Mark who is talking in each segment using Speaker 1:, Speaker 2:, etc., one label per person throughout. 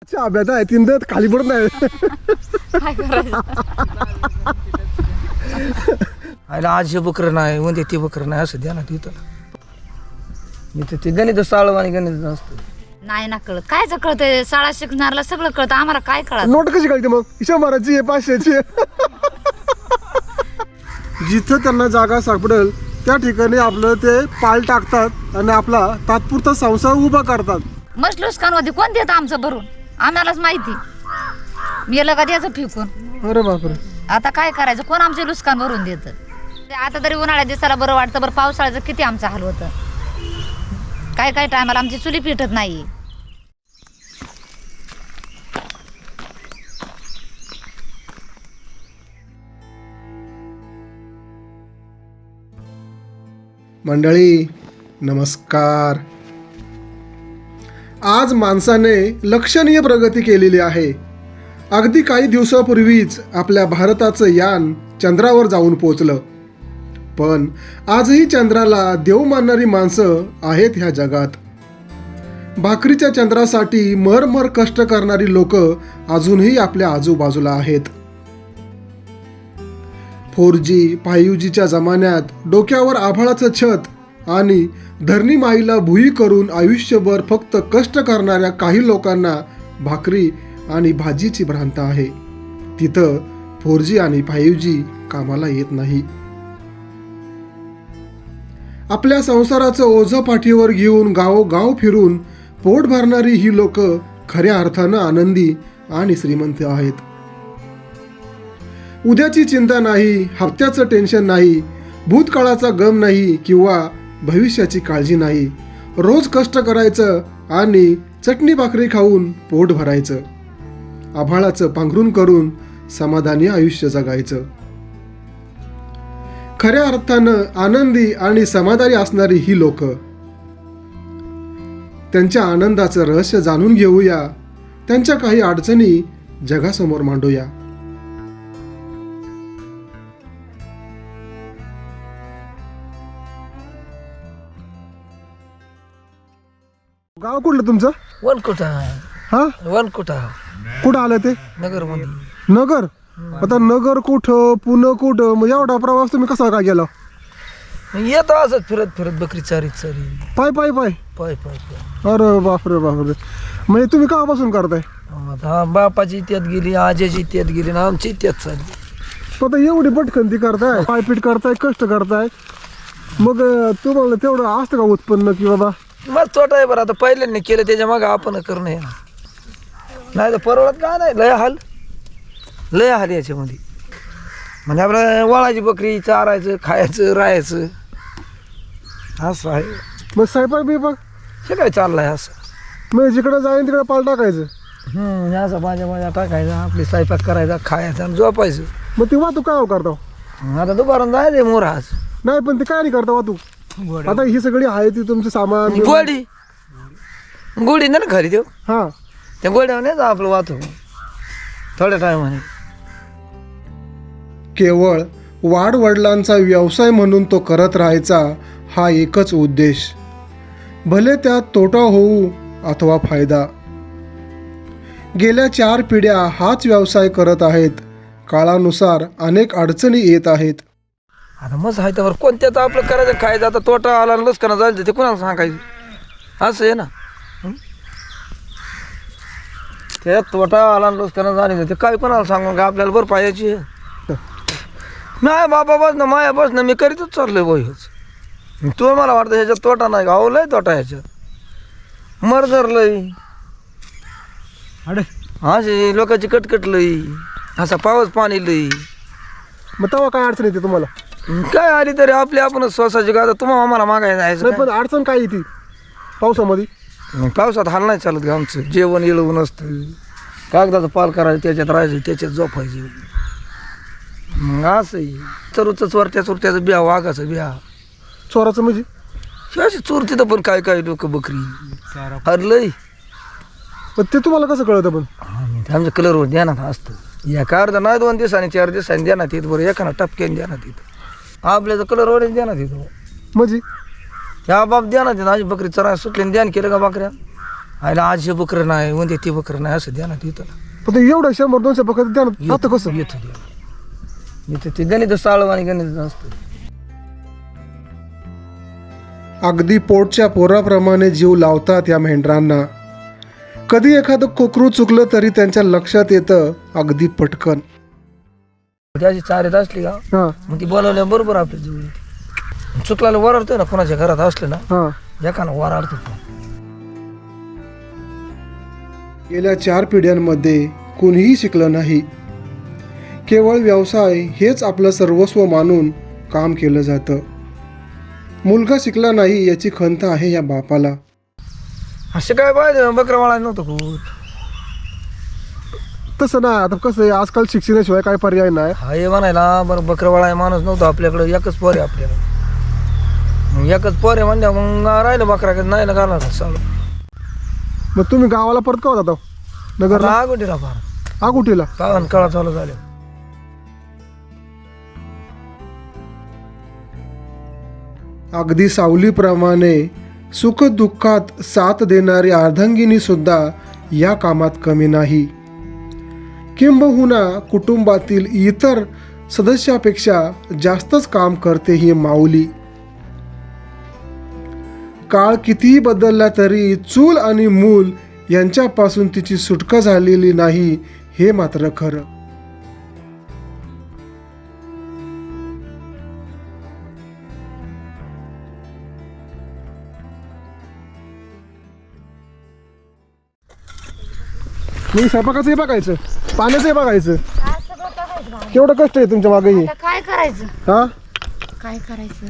Speaker 1: अभ्यास आहे तीन दात खाली पडत नाही.
Speaker 2: काय करायचं.
Speaker 3: आयला आज हे बकरं नाही म्हणजे ते बकरं नाही असं द्या ना तिथं. इथं ते गणित साळव आणि गणित असतं.
Speaker 2: नाही ना कळत कायच कळतंय. शाळा शिकणारला सगळं कळतं आम्हाला काय कळत.
Speaker 1: नोट कशी कळते मग 100ची आहे 500ची आहे. जिथं त्यांना जागा सापडेल त्या ठिकाणी आपलं ते पाल टाकतात आणि आपला तात्पुरता संसार उभा करतात.
Speaker 2: मस्त लुस्कानमध्ये कोण देतं आमचं भरून आम्हालाच माहिती. मेलं का द्यायचं फेकून.
Speaker 1: अरे बापरे.
Speaker 2: आता काय करायचं कोण आमचे लुस्कान भरून देतं. आता तरी उन्हाळ्या दिवसाला बरं वाटतं. बरं पावसाळ्याचं किती आमचं हाल होतं. काय काय टायमाला आमची चुली पिटत नाही.
Speaker 1: मंडळी नमस्कार. आज माणसाने लक्षणीय प्रगती केलेली आहे. अगदी काही दिवसापूर्वीच आपल्या भारताचं यान चंद्रावर जाऊन पोचलं. पण आजही चंद्राला देव मानणारी माणसं आहेत ह्या जगात. भाकरीच्या चंद्रासाठी मरमर कष्ट करणारी लोक अजूनही आपल्या आजूबाजूला आहेत. 4G 5Gच्या जमान्यात डोक्यावर आभाळाचं छत आणि धरणी माईला भुई करून आयुष्यभर फक्त कष्ट करणाऱ्या काही लोकांना भाकरी आणि भाजीची भ्रांत आहे. तिथं 4G आणि 5G कामाला येत नाही. आपल्या संसाराचं ओझं पाठीवर घेऊन गावोगाव फिरून पोट भरणारी ही लोक खऱ्या अर्थानं आनंदी आणि श्रीमंत आहेत. उद्याची चिंता नाही, हप्त्याचं टेन्शन नाही, भूतकाळाचा गम नाही किंवा भविष्याची काळजी नाही. रोज कष्ट करायचं आणि चटणी भाकरी खाऊन पोट भरायचं. आभाळाचं पांघरून करून समाधानी आयुष्य जगायचं. खऱ्या अर्थानं आनंदी आणि समाधानी असणारी ही लोक. त्यांच्या आनंदाचं रहस्य जाणून घेऊया. त्यांच्या काही अडचणी जगासमोर मांडूया. गाव कुठलं तुमचं?
Speaker 3: वनकुटा
Speaker 1: हा
Speaker 3: वनकुटा
Speaker 1: कुठं आलं ते?
Speaker 3: नगर मध्ये.
Speaker 1: नगर. आता नगर कुठं पुणे कुठं मग एवढा प्रवास तुम्ही कसा काय गेला?
Speaker 3: येतो असंच फिरत फिरत बकरी चारी
Speaker 1: पाय पाय पाय
Speaker 3: पाय पाय पाय.
Speaker 1: अरे बापरे बापरे. म्हणजे तुम्ही केव्हापासून करताय?
Speaker 3: आता बापाची त्यात गेली, आजीची त्यात गेली ना आमची त्यात चालली.
Speaker 1: आता एवढी पटकनती करताय, पायपीट करताय, कष्ट करताय, मग तुम्हाला तेवढं असतं का उत्पन्न की बाबा?
Speaker 3: मग तोटा आहे बरं. आता पहिल्यांनी केलं त्याच्या मागं आपण करणं नाही तर परवडत का नाही. लय हाल याच्यामध्ये. म्हणजे आपलं वळाची बकरी चारायचं, खायचं, राहायचं असं आहे.
Speaker 1: मग स्वयंपाक बिपाक
Speaker 3: हे काय चाललंय असं.
Speaker 1: मग जिकडे जाईन तिकडे पाल टाकायचं.
Speaker 3: असं माझ्या टाकायचं, आपली स्वयंपाक करायचा, खायचं आणि झोपायचं.
Speaker 1: मग ती वाहतूक काय करता?
Speaker 3: आता दुपारून जायचं मोराज.
Speaker 1: नाही पण ते काय नाही करता वाहतूक. आता ही सगळी आहे ती तुमचं सामान
Speaker 3: गोडी ना खरी देऊ.
Speaker 1: हा
Speaker 3: त्या गोड्यावर नाही जा आपलं वाहतूक थोड्या टायमाने.
Speaker 1: केवळ वाडवडिलांचा व्यवसाय म्हणून तो करत राहायचा हा एकच उद्देश. भले त्यात तोटा होऊ अथवा फायदा. गेल्या 4 पिढ्या हाच व्यवसाय करत आहेत. काळानुसार अनेक अडचणी येत आहेत.
Speaker 3: आता मस्त आहे त्यावर कोणत्याच आपलं करायचं खायचं. आता तोटा आला लसकना जायचं ते कोणाला सांगायचं असं आहे ना. त्यात तोटा आला लसकना जायचं ते काय कोणाला सांगून का आपल्याला बरं पाहिजे. नाही बाबा बस ना माया बस ना मी करीतच चाललोय बस. तो मला वाटतं ह्याच्यात तोटा नाही का? लय तोटा ह्याच्यात. मर्जर लय असे लोकांची कटकट लई, असा पाऊस पाणी लई.
Speaker 1: मग तेव्हा काय अडचण येते तुम्हाला?
Speaker 3: काय आली तरी आपली आपणच स्वसाची का तुम्हाला आम्हाला मागायला जायचं.
Speaker 1: पण अडचण काय येते पावसामध्ये?
Speaker 3: पावसात हाल नाही चालत का आमचं. जेवण येळवून असतं, कागदाचं पाल करायचं, त्याच्यात राहायचं, त्याच्यात झोपायचं. मग असंही चरूचं चोरट्या चोरट्याचं बिया, वाघाचं बिया.
Speaker 1: चोराचं म्हणजे
Speaker 3: अशी चोरती तर पण काय काय लोक बकरी हरलंय.
Speaker 1: पण ते तुम्हाला कसं कळतं? पण
Speaker 3: आमच्या कलरवर ध्यानात असतं. या अर्धा नाही 2 दिवसांनी 4 दिवसांनी ध्यानात येत. बरं एखादा टपक्याने ध्यानात येतं. आपल्याचं कलरवर ध्यानात येतो.
Speaker 1: म्हणजे
Speaker 3: ह्या बाप ध्यानात येतं. माझी बकरी चरा सुटली ध्यान केलं का बकऱ्या आयला आज हे बकरं नाही म्हणजे ते बकरं नाही असं द्या ना तिथं
Speaker 1: पण ते एवढं 100-200 बकरं द्या ना आता कसं
Speaker 3: येतं द्या इथं ते गणित साळव आणि गणित असतं.
Speaker 1: अगदी पोटच्या पोराप्रमाणे जीव लावतात या मेंढरांना. कधी एखादं कोकरू चुकलं तरी त्यांच्या लक्षात येतं अगदी पटकन.
Speaker 3: त्याची चारीत असली का
Speaker 1: हा
Speaker 3: मग ती बोलावल्या बरोबर आपल्या जवळ येते. चुकल्याला वराडतोय ना कोणाच्या घरात असलं ना
Speaker 1: हा
Speaker 3: एकानं वराडतो.
Speaker 1: गेल्या 4 पिढ्यांमध्ये कोणीही शिकलं नाही. केवळ व्यवसाय हेच आपलं सर्वस्व मानून काम केलं जातं. मुलगा शिकला नाही याची खंत आहे या बापाला.
Speaker 3: असे काय पाहिजे बकरा वाळायला नव्हतं खूप.
Speaker 1: तसं ना आता कसं आहे आजकाल शिक्षणाशिवाय काय पर्याय नाही.
Speaker 3: हा हे म्हणायला बरं बकरा वाळाय माणूस नव्हतं आपल्याकडे एकच पोर आहे आपल्याला. मग एकच पोर आहे म्हणजे मग राहिलं बकरा नाही ना घाला चालू.
Speaker 1: मग तुम्ही गावाला परत का होता नगरला
Speaker 3: आगोटीला फार
Speaker 1: आगुटीला
Speaker 3: काळान काळा चालू झाले.
Speaker 1: अगदी सावलीप्रमाणे सुखदुःखात साथ देणारी अर्धांगिनी सुद्धा या कामात कमी नाही. किंबहुना कुटुंबातील इतर सदस्यापेक्षा जास्तच काम करते ही माऊली. काळ कितीही बदलला तरी चूल आणि मूल यांच्यापासून तिची सुटका झालेली नाही हे मात्र खरं. मी स्वयंपाकाचंही बघायचं पाण्याचंही बघायचं. केवढं कष्ट आहे तुमच्या मागे.
Speaker 2: आता काय करायचं
Speaker 1: हा
Speaker 2: काय करायचं.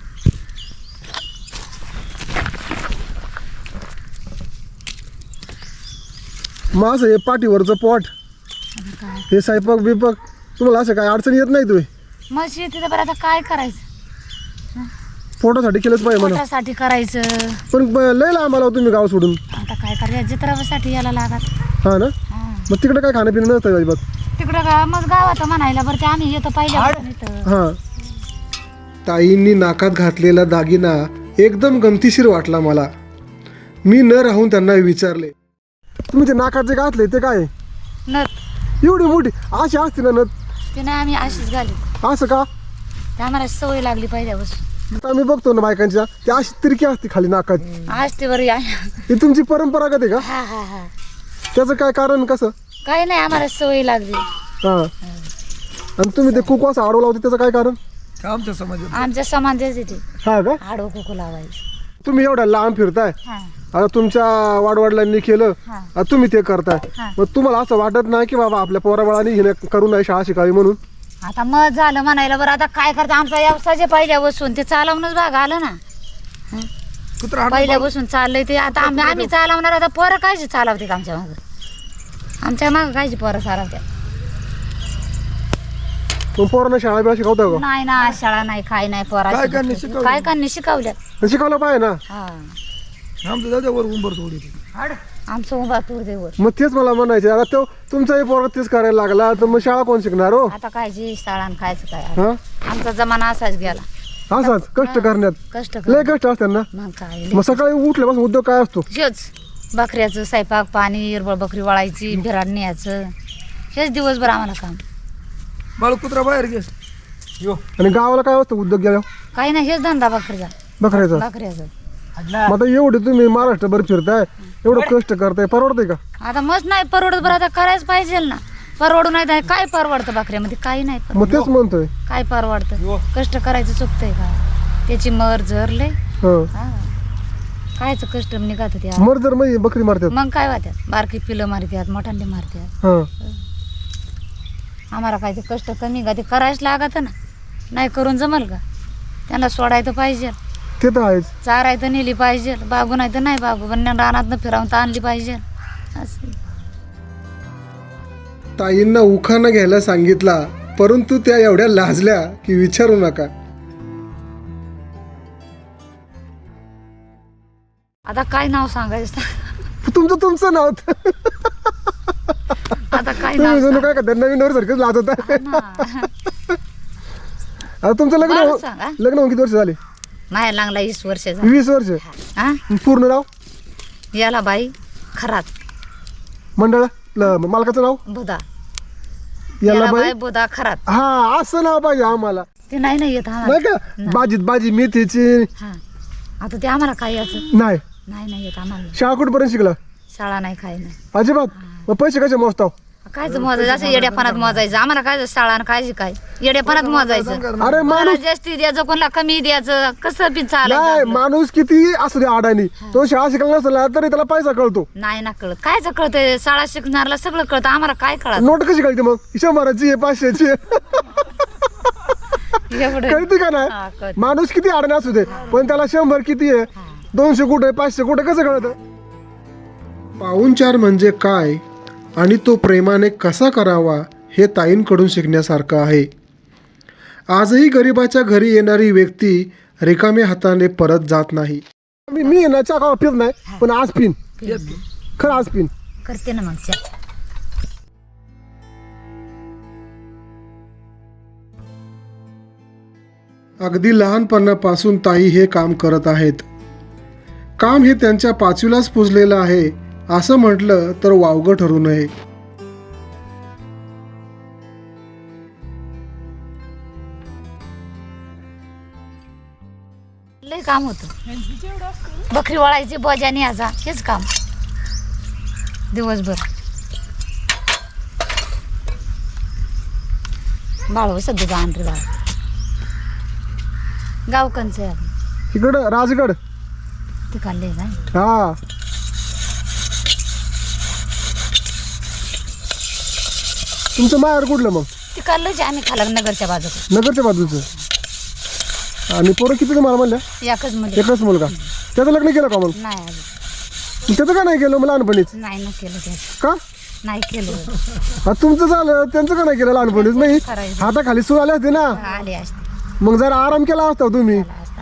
Speaker 1: माझं हे पाठीवरचं पोट हे स्वयंपाक बिपाक तुम्हाला असं काय अडचण येत नाही तुम्ही
Speaker 2: मशी येते तर बरं आता काय करायचं.
Speaker 1: पोटासाठी केलंच पाहिजे म्हणा.
Speaker 2: पोटासाठी करायचं.
Speaker 1: पण लय लांब आला हो तुम्ही गाव सोडून.
Speaker 2: आता काय करायचं जत्रासाठी यायला लागत.
Speaker 1: हा ना मग तिकडे काय खाणं पिणं नसतं अजिबात.
Speaker 2: तिकडं का मग गावात म्हणायला बरं ते आम्ही येतो पहिल्या.
Speaker 1: हा ताईंनी नाकात घातलेला दागिना एकदम गमतीशीर वाटला मला. मी न राहून त्यांना विचारले तुम्ही ते नाकात जे घातले ते काय
Speaker 2: नथ
Speaker 1: एवढी मोठी अशी असते ना नथ.
Speaker 2: ते नाही आम्ही अशीच घाली.
Speaker 1: असं का
Speaker 2: ते आम्हाला सवय लागली पहिल्यापासून.
Speaker 1: आता मी बघतो ना बायकांच्या ती अशी तिरकी असते खाली नाकात.
Speaker 2: आज ते बरं
Speaker 1: ही तुमची परंपरागत आहे का.
Speaker 2: हा हा हा
Speaker 1: त्याचं काय कारण कसं.
Speaker 2: काही नाही आम्हाला सवय लागली.
Speaker 1: हा आणि तुम्ही ते कुकू असं आडवला होते त्याचं काय कारण.
Speaker 3: आमच्या समाजात
Speaker 2: आमच्या समाजाच येते
Speaker 1: हा का
Speaker 2: आडवं कुकू लावायचं.
Speaker 1: तुम्ही एवढ्या लांब फिरताय
Speaker 2: हा
Speaker 1: आता तुमच्या वाडवडिलांनी केलं
Speaker 2: हा
Speaker 1: आता तुम्ही ते करताय.
Speaker 2: हा.
Speaker 1: मग तुम्हाला असं वाटत नाही की बाबा आपल्या पोराबाळांनी हिने करू नये शाळा शिकावी म्हणून.
Speaker 2: आता मग झालं म्हणायला बरं आता काय करतं आमचा व्यवसाय जे पहिल्या बसून ते चालवणंच भाग आलं ना.
Speaker 3: कुत्रा
Speaker 2: पहिल्या बसून चाललंय ते आता आम्ही चालवणार. आता पोरं कायची चालवते आमच्या मागं. आमच्या मागं कायची पोरं चालवत्या.
Speaker 1: मग पोरांना शाळा बिळा शिकवता का.
Speaker 2: नाही ना शाळा नाही काय नाही पोरा
Speaker 3: काय कांनी शिकवलं?
Speaker 2: काय कांनी शिकवल्या.
Speaker 1: शिकवलं पाहिजे ना.
Speaker 2: हा
Speaker 3: आमच्या दाद्यावर उंबर थोडी
Speaker 2: आमचं उभा तूर देवर.
Speaker 1: मग तेच मला म्हणायचं आता तो तुमचाही पोरं तेच करायला लागला तर मग शाळा कोण शिकणार हो.
Speaker 2: आता काय जी शाळान खायचं काय
Speaker 1: हा
Speaker 2: आमचा जमाना असाच गेला.
Speaker 1: असाच कष्ट करण्यात
Speaker 2: कष्ट
Speaker 1: लय कष्ट असतात ना.
Speaker 2: मग काय
Speaker 1: मग सकाळी उठल्यापासून उद्योग काय असतो.
Speaker 2: हेच बकऱ्याचं स्वयंपाक पाणी हिरबळ बकरी वळायची भिराड न्यायचं हेच दिवसभर आम्हाला काम.
Speaker 3: बाळ कुत्रा बाहेर घे यो
Speaker 1: आणि गावाला काय असतं उद्योग गेल्या
Speaker 2: काही नाही हेच धंदा बकरीचा
Speaker 1: बकऱ्याचा.
Speaker 2: बकऱ्याचं.
Speaker 1: मग आता एवढे तुम्ही महाराष्ट्रभर फिरताय एवढं कष्ट करताय परवडतंय का.
Speaker 2: आता मस्त नाही परवडत बरं आता करायच पाहिजे ना. परवडू नाही तर काय परवडतं बकऱ्यामध्ये काही नाही
Speaker 1: मग
Speaker 2: परवडत.
Speaker 1: तेच म्हणतोय.
Speaker 2: काय परवडतं कष्ट करायचं चुकतंय का. त्याची मर झरले
Speaker 1: हं.
Speaker 2: कायच कष्ट निघत होते.
Speaker 1: मर जर मग बकरी मारतात.
Speaker 2: मग काय वाटत बारकी पिलं मारतात मोठांडे मारतात.
Speaker 1: हा
Speaker 2: आम्हाला काय ते कष्ट कमी का ते करायच लागत ना. नाही करून जमल का. त्यांना सोडायचं पाहिजे
Speaker 1: ते तर आहेच.
Speaker 2: चाराय तर नेली पाहिजे बागू नाही तर नाही बागू पण रानात फिरावून तर आणली पाहिजे असं.
Speaker 1: ताईंना उखाणा घ्यायला सांगितला परंतु त्या एवढ्या लाजल्या की विचारू नका.
Speaker 2: आता काय नाव सांगायचं.
Speaker 1: तुमचं नाव
Speaker 2: आता काय
Speaker 1: तुम्ही
Speaker 2: नाव
Speaker 1: जणू काय का नवीन वर सारखंच लाज होता.
Speaker 2: सांग.
Speaker 1: आता तुमचं
Speaker 2: बरं
Speaker 1: लग्न
Speaker 2: सांग, हा?
Speaker 1: लग्न होऊन किती वर्ष झाले.
Speaker 2: माहेर लागला 20 वर्ष झाली.
Speaker 1: 20 वर्ष
Speaker 2: हा
Speaker 1: पूर्ण नाव
Speaker 2: याला बाई खरात
Speaker 1: मंडळ मालकाचं नाव
Speaker 2: बुधा
Speaker 1: याला बाई
Speaker 2: बाई बुधा खरात.
Speaker 1: हा असं नाव पाहिजे आम्हाला.
Speaker 2: ते नाही ना येत
Speaker 1: नाही
Speaker 2: आम्हाला.
Speaker 1: का भाजीत भाजी मेथीची
Speaker 2: हा आता ते आम्हाला काय याचं
Speaker 1: नाही.
Speaker 2: नाही येत आम्हाला.
Speaker 1: शाळा कुठपर्यंत शिकला
Speaker 2: शाळा नाही काय नाही.
Speaker 1: अजिबात. मग पैसे कसे मोजताव?
Speaker 2: कायच मोजायचं असं येड्यापणात मोजायचं आम्हाला. काय शाळा आणि काय काय येड्यापणात मोजायचं.
Speaker 1: अरे
Speaker 2: कोणाला
Speaker 1: माणूस
Speaker 2: जास्ती द्यायचं कोणाला कमी द्यायचं कसं बी
Speaker 1: नाही
Speaker 2: चालायचं.
Speaker 1: माणूस किती असू दे अडाणी तो शाळा शिकला नसला तरी त्याला पैसा कळतो.
Speaker 2: नाही ना कळत. कायच कळतंय शाळा शिकणारला सगळं कळतं आम्हाला काय कळत
Speaker 1: नोट कशी कळते मग 100ची आहे 500ची
Speaker 2: एवढं.
Speaker 1: कळते का नाही?
Speaker 2: हा, कळतं.
Speaker 1: माणूस किती अडाणी असू दे पण त्याला 100 किती आहे 200 कुठे 500 कुठे कसं कळतं? पाहुणचार म्हणजे काय आणि तो प्रेमाने कसा करावा हे ताईंकडून शिकण्यासारखं आहे. आजही गरिबाच्या घरी येणारी व्यक्ती रिकाम्या हाताने परत जात नाही. मी ना चहा पित नाही पण आज पिन खरं आज पिन.
Speaker 2: करते ना मग चहा.
Speaker 1: अगदी लहानपणापासून ताई हे काम करत आहेत. काम हे त्यांच्या 5वीलाच पुजलेलं आहे असं म्हटलं तर वावगं ठरू नये.
Speaker 2: लय काम होतं. बकरी वळायची बजानी याचा हेच काम दिवसभर. बाळ सध्या आणते बाळ गावकंच आहे.
Speaker 1: इकडं राजगड.
Speaker 2: ते काढले काय
Speaker 1: हा तुमचं माहेर कुठलं मग?
Speaker 2: ते काढलंच आम्ही खाला नगरच्या बाजूला.
Speaker 1: नगरच्या बाजूचं. आणि पोरं किती तुम्हाला म्हणल्या?
Speaker 2: एकच मध्ये
Speaker 1: एकच मुलगा. त्याचं लग्न केलं का मग?
Speaker 2: नाही अजून.
Speaker 1: त्याचं का नाही केलं मग लहानपणीच?
Speaker 2: नाही ना केलं त्याचं.
Speaker 1: का?
Speaker 2: नाही केलं.
Speaker 1: हा, तुमचं झालं त्यांचं का नाही केलं लहानपणीच? नाही
Speaker 2: करायचं.
Speaker 1: हाताखाली सूर आले असते ना
Speaker 2: आले असते
Speaker 1: मग जरा आराम केला असता तुम्ही.
Speaker 2: आला असता.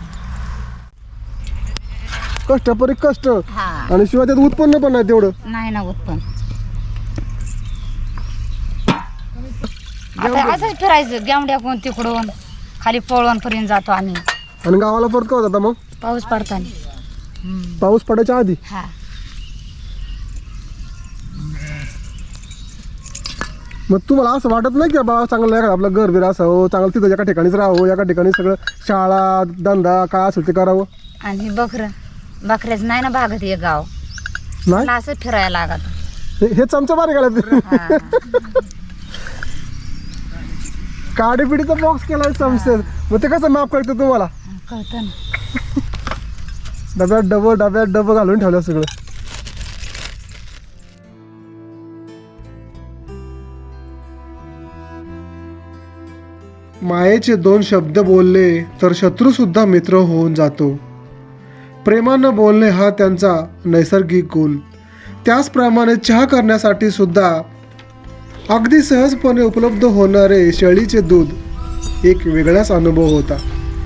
Speaker 1: कष्टपरी कष्ट
Speaker 2: हा
Speaker 1: आणि शिवाय त्यात उत्पन्न पण नाही तेवढं.
Speaker 2: नाही ना उत्पन्न. आता असंच फिरायचं गेवड्या कोण तिकडून खाली पळवण पर्यंत जातो आम्ही.
Speaker 1: आणि गावाला परत का जाता मग?
Speaker 2: पाऊस पडताना.
Speaker 1: पाऊस पडायच्या आधी.
Speaker 2: हा
Speaker 1: मग तुम्हाला असं वाटत नाही की बाबा चांगलं एखादं आपलं घर बिर असावं चांगलं तिथं एका ठिकाणीच राहावं एका ठिकाणी सगळं शाळा धंदा काय असेल ते करावं?
Speaker 2: आणि बकऱ्याच नाही ना भागत हे गाव.
Speaker 1: नाही
Speaker 2: मला असं फिरायला लागत.
Speaker 1: हे चमचा बारे गेला
Speaker 2: हा.
Speaker 1: काडी पिढीचा बॉक्स केलाय चमचे. मग ते कसं माफ करतं तुम्हाला?
Speaker 2: कळतं ना.
Speaker 1: डब्यात डबं घालून ठेवलं सगळं. मायेचे 2 शब्द बोलले तर शत्रू सुद्धा मित्र होऊन जातो. प्रेमानं बोलणे हा त्यांचा नैसर्गिक गुण. त्याचप्रमाणे चहा करण्यासाठी सुद्धा अगदी सहजपणे उपलब्ध होणारे शेळीचे दूध एक वेगळाच अनुभव होता.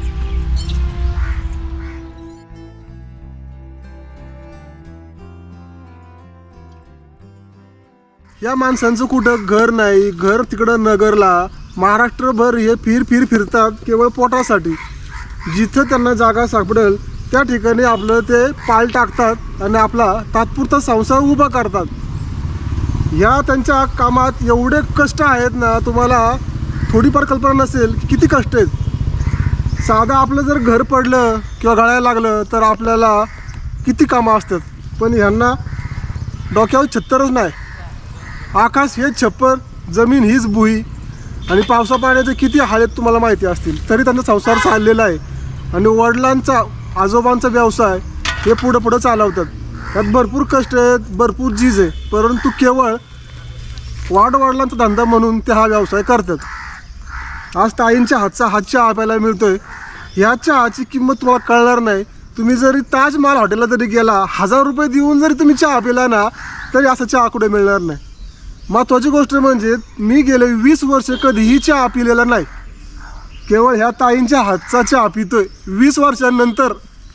Speaker 1: या माणसांचं कुठं घर नाही. घर तिकडं नगरला. महाराष्ट्रभर हे फिरतात केवळ पोटासाठी. जिथं त्यांना जागा सापडेल त्या ठिकाणी आपलं ते पाल टाकतात आणि आपला तात्पुरता संसार उभा करतात. ह्या त्यांच्या कामात एवढे कष्ट आहेत ना तुम्हाला थोडीफार कल्पना नसेल की किती कष्ट आहेत. साधं आपलं जर घर पडलं किंवा गळायला लागलं तर आपल्याला किती कामं असतात. पण ह्यांना डोक्यावर छत्तरच नाही. आकाश हेच छप्पर जमीन हीच भुई आणि पावसा पाण्याचे किती हाल आहेत तुम्हाला माहिती असतील तरी त्यांचा संसार चाललेला आहे. आणि वडिलांचा आजोबांचा व्यवसाय हे पुढं चालवतात. त्यात भरपूर कष्ट आहेत भरपूर झीज आहे परंतु केवळ वडिलांचा धंदा म्हणून ते हा व्यवसाय करतात. आज ताईंच्या हातचा चहा प्यायला मिळतोय. ह्या चहाची किंमत तुम्हाला कळणार नाही. तुम्ही जरी ताजमहाल हॉटेलला जरी गेला 1000 रुपये देऊन जरी तुम्ही चहा पिला ना तरी असा चहा कुठे मिळणार नाही. महत्त्वाची गोष्ट म्हणजे मी गेले 20 वर्ष कधीही चहा पिलेला नाही. केवळ ह्या ताईंच्या हातचा चहा पितोय 20 वर्षांनंतर.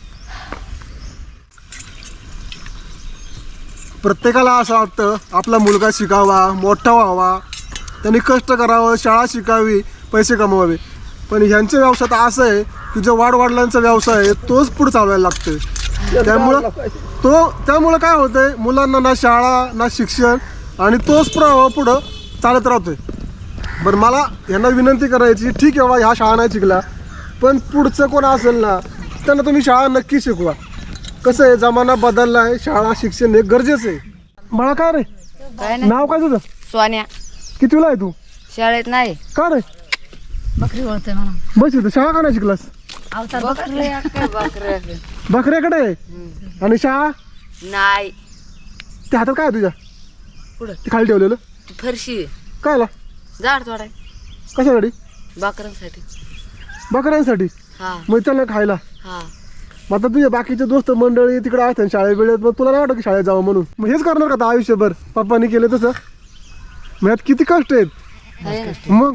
Speaker 1: प्रत्येकाला असं वाटतं आपला मुलगा शिकावा मोठा व्हावा त्यांनी कष्ट करावं शाळा शिकावी पैसे कमवावे. पण ह्यांच्या व्यवसायात असं आहे की जो वडिलांचा व्यवसाय आहे तोच पुढे चालवायला लागतोय. त्यामुळं काय होतंय, मुलांना ना शाळा ना शिक्षण आणि तोच प्रवाह पुढं चालत राहतोय. बरं, मला यांना विनंती करायची, ठीक आहे बाबा ह्या शाळा नाही शिकला, पण पुढचं कोण असेल ना त्यांना तुम्ही शाळा नक्की शिकवा. कसं आहे, जमाना बदलला आहे, शाळा शिक्षण हे गरजेचं आहे. मला काय रे,
Speaker 4: काय नाही.
Speaker 1: नाव काय तुझं?
Speaker 4: सोन्या
Speaker 1: कितवीला आहे तू?
Speaker 4: शाळेत नाही.
Speaker 1: का रे?
Speaker 2: बकरी ओळतोय मला.
Speaker 1: बस इथं शाळा का नाही शिकलास?
Speaker 2: अवतार
Speaker 1: बकऱ्याकडे आहे. आणि शाळा
Speaker 4: नाही.
Speaker 1: त्या हातात काय आहे तुझ्या?
Speaker 4: पुढं
Speaker 1: ते खाली ठेवलेलं
Speaker 4: फरशी
Speaker 1: कायला?
Speaker 4: झाड थोडा
Speaker 1: कशासाठी?
Speaker 4: बाकरांसाठी.
Speaker 1: बकऱ्यांसाठी.
Speaker 4: हा
Speaker 1: मग त्याला खायला.
Speaker 4: हा.
Speaker 1: मग आता तुझे बाकीचे दोस्त मंडळी तिकडे असतात शाळेत वेळेत, मग तुला नाही वाटत की शाळेत जावं म्हणून? मग हेच करणार का आता आयुष्यभर? पप्पांनी केलं तसं? मग यात किती कष्ट आहेत.
Speaker 4: आहे ना.
Speaker 1: मग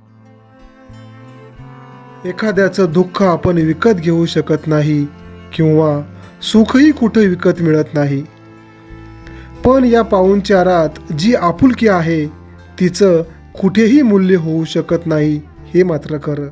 Speaker 1: एखाद्याचं दुःख आपण विकत घेऊ शकत नाही किंवा सुखही कुठे विकत मिळत नाही, पण या पाहुणचारात जी आपुलकी आहे तिचं कुठेही मूल्य होऊ शकत नाही, हे मात्र खरं.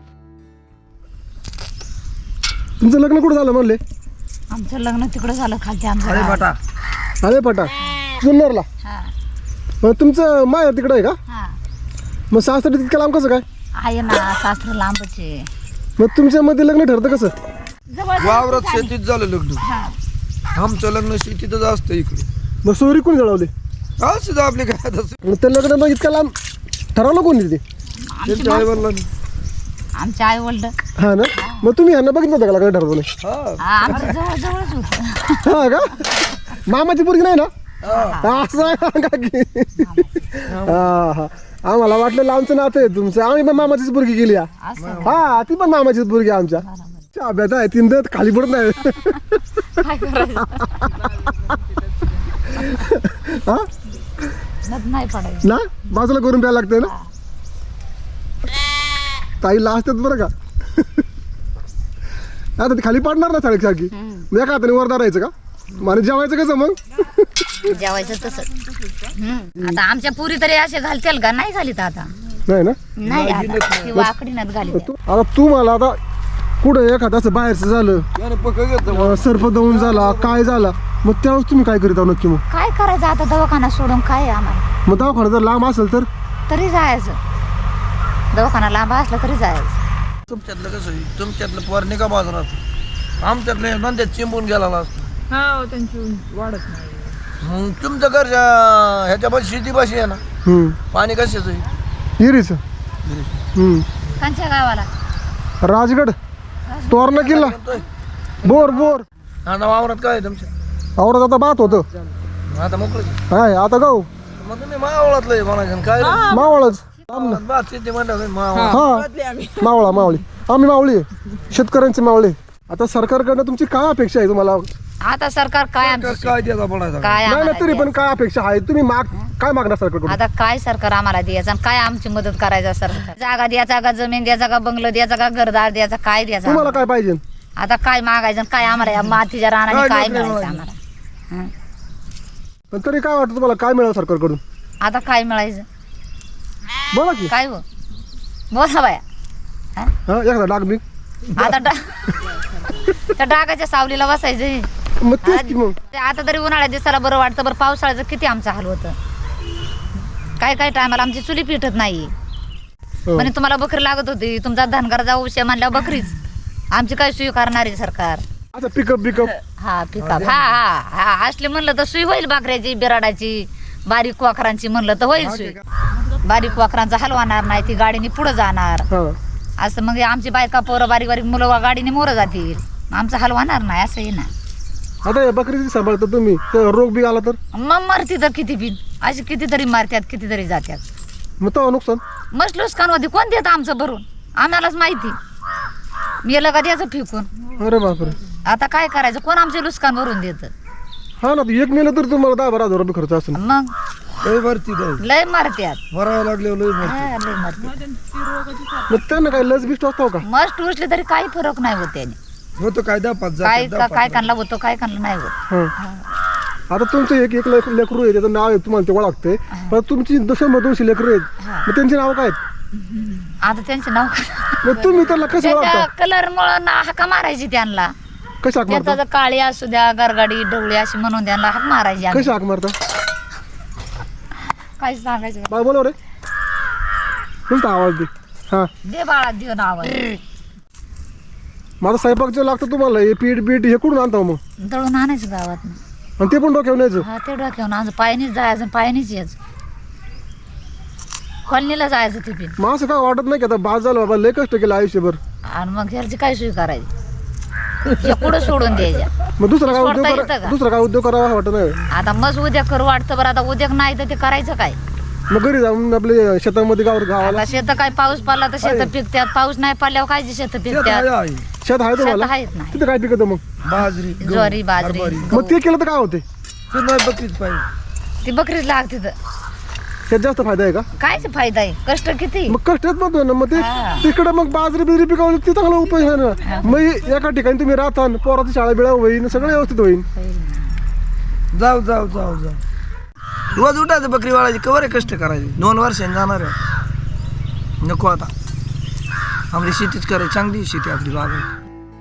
Speaker 1: तुमचं लग्न कुठं झालं म्हणले?
Speaker 2: आमचं लग्न तिकडं झालं खालच्या आमच्या
Speaker 3: अरे
Speaker 2: गावात.
Speaker 3: बाटा
Speaker 1: अरे पटा जुन्नरला.
Speaker 2: हा
Speaker 1: मग तुमचं माय तिकडं आहे का?
Speaker 2: हा.
Speaker 1: मग सासरी तितकं लांब कसं काय?
Speaker 2: आहे ना, सासर लांबचे.
Speaker 1: मग तुमच्यामध्ये लग्न ठरतं कसं?
Speaker 2: जवळ
Speaker 3: वावरात शेतीत झालं लग्न.
Speaker 2: हा.
Speaker 3: आमचं लग्न शेतीतच असतं इकडे.
Speaker 1: मग सोयरी कोणी जळवली?
Speaker 3: असं आपले काय तसं.
Speaker 1: मग ते लग्न मग इतकं लांब ठरवलं कोणी ते?
Speaker 3: त्यांच्या आईवडिलांनी.
Speaker 2: आमचे आई वडील
Speaker 1: हा ना. मग तुम्ही यांना बघितलं होतं का लग्न ठरवलं?
Speaker 3: हा
Speaker 2: आमचं जवळ जवळच होतं.
Speaker 1: हा का? मामाची पोरगी नाही ना? असं आहे का की? हा हा. आम्हाला वाटलं लांबचं नातं आहे तुमचं. आम्ही पण मामाचीच पोरगी गेली.
Speaker 2: असं
Speaker 1: हा, ती पण मामाचीच पोरगी आमच्या. अभ्यास आहे, तीन दत खाली पडत नाही.
Speaker 2: काय करायचं?
Speaker 1: हा
Speaker 2: नद नाही पडायचं.
Speaker 1: ना, बाजूला करून प्यायला लागतंय ना. ताईला असतात बरं का. आता ती खाली पडणार ना सारखी. मग एका हाताने वर धरायचं का? आणि जेवायचं कसं मग?
Speaker 2: जेवायचं तसं. आता आमच्या पुरी तरी असे घालतील का? नाही घालीत आता.
Speaker 1: नाही ना.
Speaker 2: नाही आता ती वाकडी नद घालीत.
Speaker 1: आता तू मला आता कुठं एखादं बाहेरचं झालं,
Speaker 3: त्याने पक्क घेतलं.
Speaker 1: सर्प दवून झाला, काय झाला, मग त्यावेळेस तुम्ही काय करीत आहो नक्की? मग
Speaker 2: काय करायचं आता? दवाखाना सोडून काय आहे आम्हाला?
Speaker 1: मग दवाखाना जर लांब असेल तर?
Speaker 2: तरी जायचं. दवाखाना लांब असला तरी जायचं.
Speaker 3: तुमच्यातलं कसं आहे? तुमच्यातलं पोर निघा बाजारात, आमच्यातलं नंद्यात चिंबून गेला असतं.
Speaker 4: त्यांची वाढत नाही.
Speaker 3: मग तुमचं घरच्या ह्याच्या पाशी शेती पाशी आहे ना, पाणी कशाचं आहे?
Speaker 1: हिरीच.
Speaker 2: कांच्या गावाला
Speaker 1: राजगड, तोरणा किल्ला, बोर बोर.
Speaker 3: आता वावरात काय आहे तुमच्या?
Speaker 1: आवरात आता बात होतं.
Speaker 3: आता मोकळं
Speaker 1: हाय आता गाव
Speaker 3: मग तुम्ही मावळातलं आहे म्हणायचं काय रे?
Speaker 1: मावळच.
Speaker 3: बात शेती म्हणलं मावळ.
Speaker 1: हा, मावळा मावळी. आम्ही मावळी आहे, शेतकऱ्यांचे मावळे. आता सरकारकडनं तुमची काय अपेक्षा आहे तुम्हाला?
Speaker 2: आता सरकार काय आमचं
Speaker 3: काय द्यायचा पडायचा?
Speaker 2: काय
Speaker 1: नाही ना,
Speaker 2: आम्हाला
Speaker 1: तरी पण
Speaker 2: द्यायचं?
Speaker 1: काय अपेक्षा आहे? तुम्ही काय मागणार सरकारकडून?
Speaker 2: आता काय सरकार आम्हाला द्यायचं आणि काय आमची मदत करायचं? सरकार जागा द्यायचा का, जमीन द्यायचा का, बंगलं द्यायचा का, घरदार द्यायचा, काय द्यायचं
Speaker 1: तुम्हाला
Speaker 2: आम्हाला?
Speaker 1: काय पाहिजे?
Speaker 2: आता काय मागायचं आणि काय आम्हाला या मातीच्या रानाने
Speaker 3: काय
Speaker 2: काय
Speaker 3: नोकरी
Speaker 2: मिळायचं
Speaker 3: मिळायची?
Speaker 2: आम्हाला? हं.
Speaker 1: पण तरी काय वाटतं तुम्हाला, काय मिळालं सरकारकडून?
Speaker 2: आता काय मिळायचं?
Speaker 1: बोला की.
Speaker 2: काय हो बोला बाया.
Speaker 1: हा, एखादा डाग बी.
Speaker 2: आता त्या डागाच्या सावलीला बसायचं.
Speaker 1: मग तेच की मग.
Speaker 2: ते आता तरी उन्हाळ्यात दिसायला बरं वाटतं, बरं पावसाळ्याचं किती आमचं हाल होतं. काय काय टायमाला आमची चुली पिटत नाही.
Speaker 1: हो.
Speaker 2: म्हणे तुम्हाला बकरी लागत होती, तुमचा धनगर जाऊ उशे म्हणल्यावर बकरीच. आमची काय सुई करणार आहे सरकार?
Speaker 1: आता पिकअप बिकअप.
Speaker 2: हा पिकअप. हा हा हा असले म्हणलं तर सुई होईल, बाकऱ्याची, बिराडाची, बारीक वाखरांची म्हणलं तर होईल सुई. बारीक वाखरांचा हलवणार नाही, ती गाडीने पुढे जाणार.
Speaker 1: हा.
Speaker 2: असं मग आमची बायका पोरं बारीक बारीक मुलं गाडीने मोरं जातील, आमचं हलवणार नाही असंही ना.
Speaker 1: आता या बकरीची सांभाळता तुम्ही, तर रोग बी आला तर?
Speaker 2: मग मरती तर किती बिन अशी कितीतरी मारत्यात, कितीतरी जात्यात.
Speaker 1: मग तेव्हा नुकसान.
Speaker 2: मस्त लुस्कान होती. कोण देतं आमचं भरून? आम्हालाच माहिती. मेलं का द्यायचं फेकून.
Speaker 1: अरे बापरे.
Speaker 2: आता काय करायचं? कोण आमचे लुस्कान भरून देतं?
Speaker 1: हा ना, एक मेलं तर तुम्हाला 10-12 हजार रुपये खर्च असेल.
Speaker 2: मग
Speaker 3: लय भरती जाईल.
Speaker 2: लय मारत्यात.
Speaker 3: भरावं लागले लय भरती.
Speaker 2: हा, लय मारत्यात.
Speaker 1: मग त्यांना काय लस बिस्ट असतो का?
Speaker 2: मस्त उचले तरी काही फरक नाही होत त्याने.
Speaker 3: होतं काय 10-5
Speaker 2: काय काय कानला होतो, काय कानला नाही होत.
Speaker 1: हा. आता तुमचं एक लेकरू आहे, त्याचं नाव आहे, तुम्हाला ते ओळखते. पण तुमची 200 लेकरू आहेत, मग त्यांची नाव काय आहेत?
Speaker 2: आता त्यांचे नाव
Speaker 1: मग तुम्ही त्याला कसं
Speaker 2: त्याच्या
Speaker 1: ओळखता?
Speaker 2: कलर मुळे हाका मारायची त्यांना.
Speaker 1: कशी हाक मारता
Speaker 2: त्याचा काळी असू द्या गरगाडी डवळी अशी म्हणून त्यांना हाक मारायची आम्ही.
Speaker 1: कशी हाक मारता
Speaker 2: काय सांगायचं
Speaker 1: बाय बोलव रे कोणता आवाज दे हा
Speaker 2: दे बाळा देऊन आवाज
Speaker 1: माझा स्वयंपाक जे लागतं तुम्हाला हे पीठ बीठ हे कुठून आणता मग
Speaker 2: दळून आणायचं गावात.
Speaker 1: आणि ते पण डोक्यावर न्यायचं
Speaker 2: हा ते डोक्यावून आज पायनीच जायचं पायनीच यायचं कॉलनीला जायचं टिफिन.
Speaker 1: मग असं काय वाटत नाही की आता बाद झालं बाबा लय कष्ट केलं आयुष्यभर
Speaker 2: आणि मग घरची काय सोय करायची हे कुठं सोडून द्यायच्या.
Speaker 1: मग दुसरा काय
Speaker 2: सोडता
Speaker 1: उद्योग
Speaker 2: येतं का?
Speaker 1: दुसरा काय उद्योग करावा वाटत नाही
Speaker 2: आता मग उद्या करू वाटतं बरं आता उद्या नाही तर ते करायचं काय.
Speaker 1: मग घरी जाऊन आपले शेतामध्ये गावाला
Speaker 2: आता शेत काय पाऊस पडला तर शेत पिकत्यात पाऊस नाही पडल्यावर काय शेत
Speaker 3: शेत
Speaker 2: पिकत्यात
Speaker 3: आहे.
Speaker 1: शेत आहे
Speaker 2: शेत
Speaker 1: तुम्हाला
Speaker 2: आहेत नाही
Speaker 1: तिथे काय पिकतं मग
Speaker 3: बाजरी
Speaker 2: ज्वारी बाजरी
Speaker 1: मग ते केलं तर काय होते
Speaker 3: ते नाही बघतीच पाहिजे
Speaker 2: ती बकरीच लागते तर
Speaker 1: त्यात जास्त फायदा आहे का
Speaker 2: काय फायदा आहे कष्ट किती.
Speaker 1: मग कष्टात म्हणतो ना मग ते
Speaker 2: हा.
Speaker 1: तिकडे मग बाजरी बिजरी पिकवली ते चांगला उपाय आहे ना मग एका ठिकाणी तुम्ही राहता पोराची शाळा बिळा होईल सगळं व्यवस्थित होईल
Speaker 3: जाऊ जाऊ जाऊ जाऊ रोज उठायचं बकरी वाळायची कवर कष्ट करायचे 2 वर्षांनी जाणार आहे नको आता आपली शेतीच करायची चांगली शेती आपली बाबा.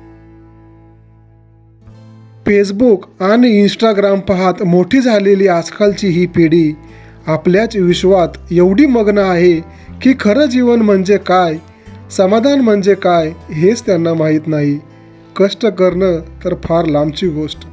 Speaker 1: फेसबुक आणि इंस्टाग्राम पाहत मोठी झालेली आजकालची ही पिढी आपल्याच विश्वात एवढी मग्न आहे की खरं जीवन म्हणजे काय समाधान म्हणजे काय हेच त्यांना माहीत नाही. कष्ट करणं तर फार लांबची गोष्ट.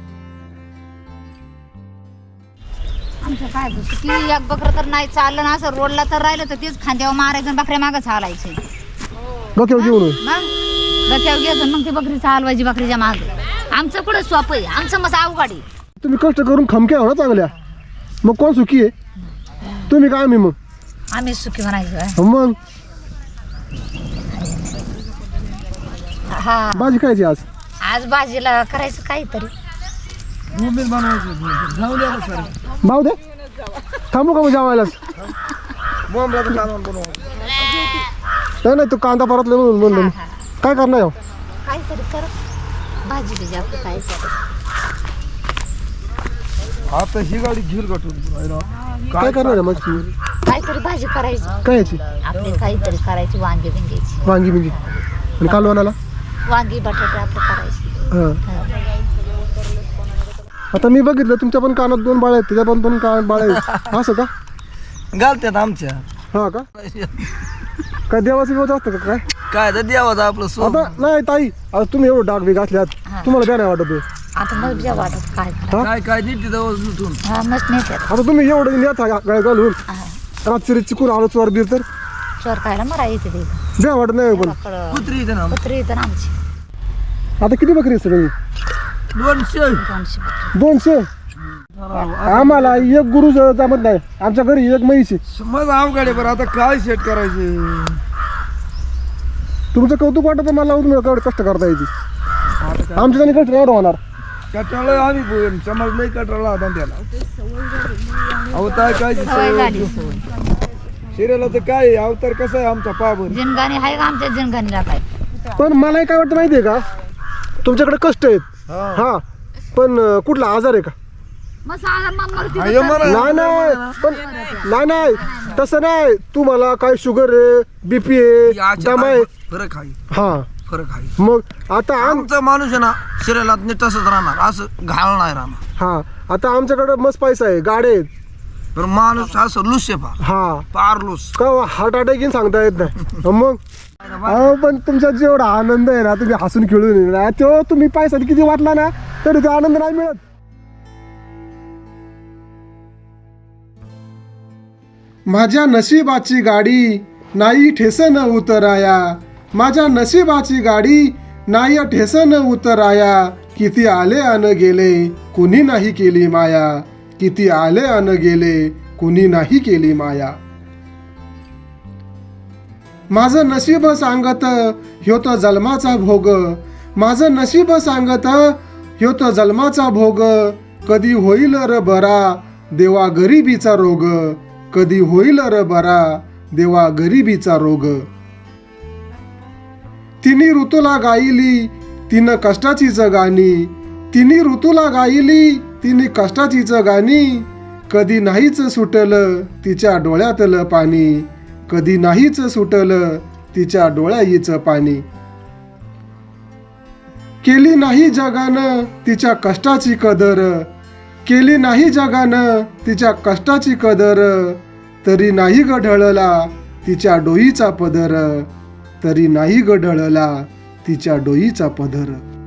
Speaker 2: आमचं काय होतं की एक बकरं तर नाही चाललं ना असं रोडला तर राहिलं तर तेच खांद्यावर मारायचं आणि बकऱ्या मागं चालायचे
Speaker 1: डोक्यावर घेऊन
Speaker 2: मग डोक्यावर घ्यायचं मग ती बकरी चालवायची बकरीच्या मागं. आमचं कुठं सोपं आहे आमचं मस्त अवघड.
Speaker 1: तुम्ही कष्ट करून खमक्या हो ना चांगल्या मग कोण सुखी आहे तुम्ही काय आम्ही मग
Speaker 2: आम्ही सुखी म्हणायचं
Speaker 1: मग
Speaker 2: हा.
Speaker 1: भाजी खायची आज
Speaker 2: आज भाजीला करायचं काहीतरी.
Speaker 3: बोंबील बनवायचं जाऊ द्या ना सर
Speaker 1: भाऊ दे थांबू का मग जेवायलाच
Speaker 3: बोंबलाचं कालवण बनवायचं
Speaker 1: नाही तू कांदा परतले म्हणून
Speaker 2: हा.
Speaker 1: काय करणार हो
Speaker 2: काहीतरी कर भाजी बिजी आपलं काय
Speaker 3: आता ही गाडी घेईल गाठून
Speaker 1: काय करणार आहे मग
Speaker 2: काहीतरी भाजी करायची
Speaker 1: काय याची
Speaker 2: आपली काहीतरी करायची वांगी बिंग्याची
Speaker 1: वांगी बिंगी आणि कालवणाला
Speaker 2: वांगी बटाटे आपलं करायची.
Speaker 1: हां आता मी बघितलं तुमच्या पण कानात 2 बाळ आहेत त्याच्या पण 2 कानात बाळ आहेत असं का
Speaker 3: घालतात आमच्या
Speaker 1: हा का काय देवाचं व्यवस्था असतं का काय
Speaker 3: काय तर द्यावाचं आपलं सोन
Speaker 1: आता नाही ताई आता तुम्ही एवढं डाग बी घातल्यात
Speaker 2: हा.
Speaker 1: तुम्हाला काय नाही वाटत हे?
Speaker 2: आता मग बिजा वाटत काय
Speaker 1: हा?
Speaker 3: काय काय देते जवळ लुटून
Speaker 2: हा मस्त नेत्यात.
Speaker 1: आता तुम्ही एवढं नेता गळ घालून
Speaker 2: हा.
Speaker 1: रात्री चिकून आलो चोर बीर तर
Speaker 2: चोर खायला मरा येते ते
Speaker 1: द्या वाटत नाही पण
Speaker 3: कुत्री येते ना
Speaker 2: कुत्री येतं ना आमची
Speaker 1: आता किती बकरी आहे सगळी
Speaker 3: 200
Speaker 2: 200
Speaker 1: 200 आम्हाला एक गुरु जमत नाही आमच्या घरी एक म्हैस आहे.
Speaker 3: मग अवघड आहे बरं आता काय सेट करायचे
Speaker 1: तुमचं कौतुक वाटत मला तुम्ही एवढं कष्ट करता यायची आमच्या त्याने कष्ट एवढं होणार
Speaker 3: कटाळा आम्ही समज नाही कटाळा होता त्याला अवतार काय
Speaker 2: सवय झाली.
Speaker 3: शिरेला तर काय अवतार कसा आहे आमचा पाबर
Speaker 2: जिनगाणी आहे का आमच्या जिनगाणीला काय.
Speaker 1: पण मला काय वाटतं माहितीये का तुमच्याकडे कष्ट आहेत हा पण कुठला आजार आहे का
Speaker 2: मग साधा मग मरती
Speaker 3: आहे म्हणा.
Speaker 1: नाही पण नाही तसं नाही तुम्हाला काय शुगर आहे बीपी आहे
Speaker 3: याच्या
Speaker 1: दमा आहे
Speaker 3: फरक आहे
Speaker 1: हा
Speaker 3: फरक आहे
Speaker 1: मग आता
Speaker 3: आमचा माणूस आहे ना शरीरात नीट तसंच राहणार असं घाल नाही राहणार
Speaker 1: हा आता आमच्याकडे मस्त पैसा आहे गाड्या आहेत
Speaker 3: पण माणूस असं लुस आहे फार
Speaker 1: हा
Speaker 3: फार लुस
Speaker 1: का हार्ट अटॅक येईन सांगता येत नाही मग अहो पण तुमचा जेवढा आनंद आहे ना तुम्ही हसून खेळून येईल ना तो तुम्ही पैसा किती वाटला ना तरी तो आनंद नाही मिळत. माझ्या नशिबाची गाडी नाही ठेसन उतराया माझ्या नशिबाची गाडी नाही ठेसन उतराया किती आले अन गेले कुणी नाही केली माया किती आले अन गेले कुणी नाही केली माया. माझं नशीब सांगत ह्यो तो जन्माचा भोग माझं नशीब सांगत ह्यो तो जन्माचा भोग कधी होईल र बरा देवा गरिबीचा रोग कधी होईल र बरा देवा गरिबीचा रोग. तिन्ही ऋतूला गायली तिनं कष्टाचीच गाणी तिन्ही ऋतूला गायली तिने कष्टाचीच गाणी कधी नाहीच सुटलं तिच्या डोळ्यातलं पाणी कधी नाहीच सुटलं तिच्या डोळ्याईचं पाणी. केली नाही जगानं तिच्या कष्टाची कदर, केली नाही जगानं तिच्या कष्टाची कदर, तरी नाही ग ढळला तिच्या डोईचा पदर, तरी नाही ग ढळला तिच्या डोईचा पदर.